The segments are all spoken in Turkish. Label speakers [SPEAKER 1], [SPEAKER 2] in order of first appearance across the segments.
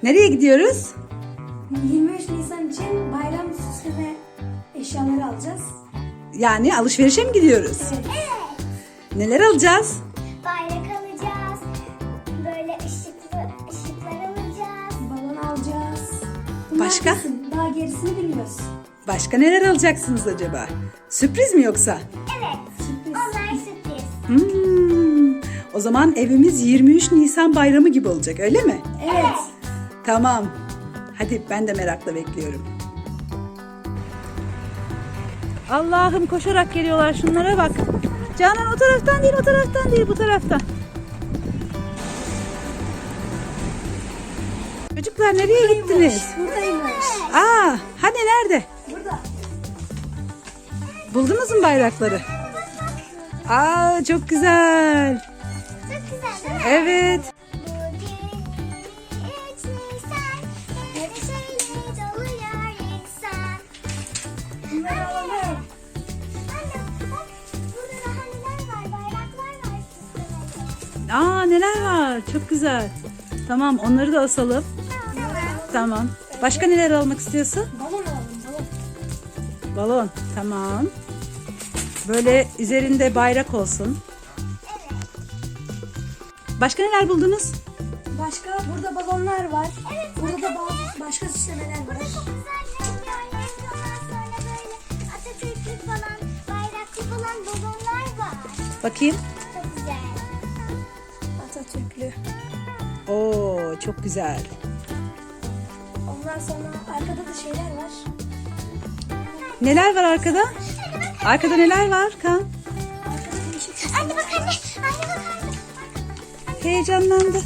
[SPEAKER 1] Nereye gidiyoruz?
[SPEAKER 2] 23 Nisan için bayram süsleme eşyaları alacağız.
[SPEAKER 1] Yani alışverişe mi gidiyoruz?
[SPEAKER 2] Evet.
[SPEAKER 1] Neler alacağız?
[SPEAKER 3] Bayrak alacağız. Böyle ışıklar alacağız.
[SPEAKER 2] Balon alacağız. Bunlar
[SPEAKER 1] Başka?
[SPEAKER 2] kesin. Daha gerisini bilmiyoruz.
[SPEAKER 1] Başka neler alacaksınız acaba? Sürpriz mi yoksa?
[SPEAKER 3] Evet.
[SPEAKER 2] Sürpriz.
[SPEAKER 3] Onlar sürpriz.
[SPEAKER 1] O zaman evimiz 23 Nisan bayramı gibi olacak, öyle mi?
[SPEAKER 2] Evet.
[SPEAKER 1] Tamam. Hadi ben de merakla bekliyorum. Allah'ım, koşarak geliyorlar, şunlara bak. Canan o taraftan değil, o taraftan değil, bu taraftan. Çocuklar nereye gittiniz?
[SPEAKER 2] Buradaymış.
[SPEAKER 1] Hani nerede?
[SPEAKER 2] Burada.
[SPEAKER 1] Buldunuz mu bayrakları? Çok güzel.
[SPEAKER 3] Çok güzel değil mi?
[SPEAKER 1] Evet.
[SPEAKER 3] Bugün 3 Nisan. Neşeyle doluyor insan.
[SPEAKER 2] Bunları alalım.
[SPEAKER 3] Anne bak burada daha neler var? Bayraklar var süslemeli.
[SPEAKER 1] Neler var? Çok güzel. Tamam, onları da asalım. Tamam. Başka neler almak istiyorsun?
[SPEAKER 2] Balon alalım. Balon.
[SPEAKER 1] Balon. Tamam. Böyle üzerinde bayrak olsun. Başka neler buldunuz?
[SPEAKER 2] Başka burada balonlar var. Burada da başka süslemeler var.
[SPEAKER 3] Burada çok güzel rengarenk ondan sonra böyle Atatürk'lü falan, bayraklı falan balonlar var.
[SPEAKER 1] Bakayım.
[SPEAKER 3] Çok güzel.
[SPEAKER 2] Atatürklü.
[SPEAKER 1] Oo, çok güzel.
[SPEAKER 2] Ondan sonra arkada da şeyler var.
[SPEAKER 1] Neler var arkada? Arkada neler var Kan?
[SPEAKER 2] Arkada değişik.
[SPEAKER 3] Anne bak anne. Anne bak anne.
[SPEAKER 1] Heyecanlandı.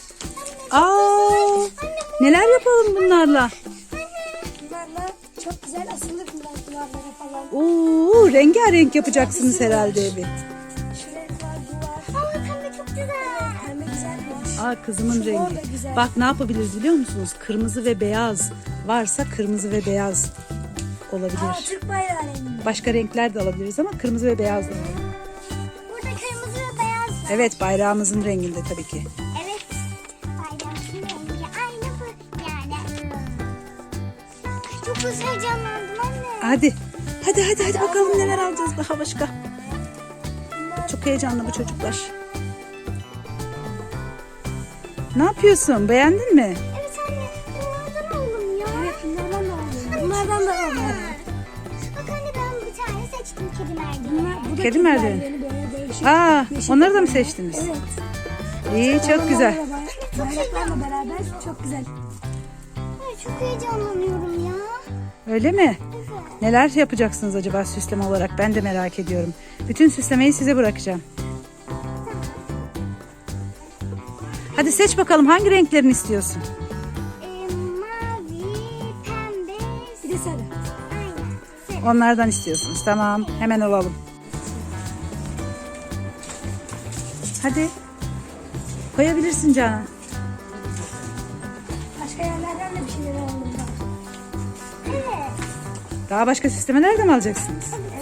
[SPEAKER 1] Neler yapalım bunlarla?
[SPEAKER 2] Bunlarla çok güzel asılır bunlar duvarlara falan.
[SPEAKER 1] Rengarenk yapacaksınız herhalde evi.
[SPEAKER 2] Şuraya var, bu var.
[SPEAKER 3] Aa pembe çok güzel.
[SPEAKER 2] Pembe güzelmiş.
[SPEAKER 1] Kızımın
[SPEAKER 2] Şu
[SPEAKER 1] rengi.
[SPEAKER 2] mor da güzel.
[SPEAKER 1] Bak ne yapabiliriz biliyor musunuz? Kırmızı ve beyaz varsa kırmızı ve beyaz olabilir.
[SPEAKER 2] Türk bayrağı rengi.
[SPEAKER 1] Başka renkler de alabiliriz ama kırmızı ve beyaz da alalım.
[SPEAKER 3] Burada kırmızı ve beyaz var.
[SPEAKER 1] Evet, bayrağımızın renginde tabii ki.
[SPEAKER 3] Evet. Bayramın rengi aynı bu yani. Çok heyecanlandım anne.
[SPEAKER 1] Hadi bakalım neler alacağız daha başka. Çok heyecanlı bu çocuklar. Ne yapıyorsun? Beğendin mi?
[SPEAKER 3] Evet anne. Bunlardan alalım ya.
[SPEAKER 2] Evet bunlardan da alalım. Bunlardan da alalım.
[SPEAKER 3] Bak anne ben bir tane seçtim kedi merdiveni.
[SPEAKER 2] Bunlar, bu da
[SPEAKER 1] Kedi
[SPEAKER 2] Türk
[SPEAKER 1] merdiveni.
[SPEAKER 2] merdiveni böyle değişik. Yeşil
[SPEAKER 1] Onları da mı
[SPEAKER 2] kedi
[SPEAKER 1] seçtiniz?
[SPEAKER 2] Evet.
[SPEAKER 1] İyi, çok güzel.
[SPEAKER 2] Bayraklarla beraber çok güzel.
[SPEAKER 3] Ay, çok heyecanlanıyorum ya.
[SPEAKER 1] Öyle mi?
[SPEAKER 3] Evet.
[SPEAKER 1] Neler yapacaksınız acaba süsleme olarak? Ben de merak ediyorum. Bütün süslemeyi size bırakacağım. Hadi seç bakalım, hangi renklerini istiyorsun?
[SPEAKER 3] Mavi, pembe.
[SPEAKER 2] Bir de sarı.
[SPEAKER 3] Aynen. Sarı.
[SPEAKER 1] Onlardan istiyorsunuz. Tamam, hemen alalım. Hadi. Koyabilirsin Canan.
[SPEAKER 2] Başka yerlerden de bir şeyler alalım daha.
[SPEAKER 3] Evet.
[SPEAKER 1] Daha başka süslemeler de mi alacaksınız?
[SPEAKER 2] Evet.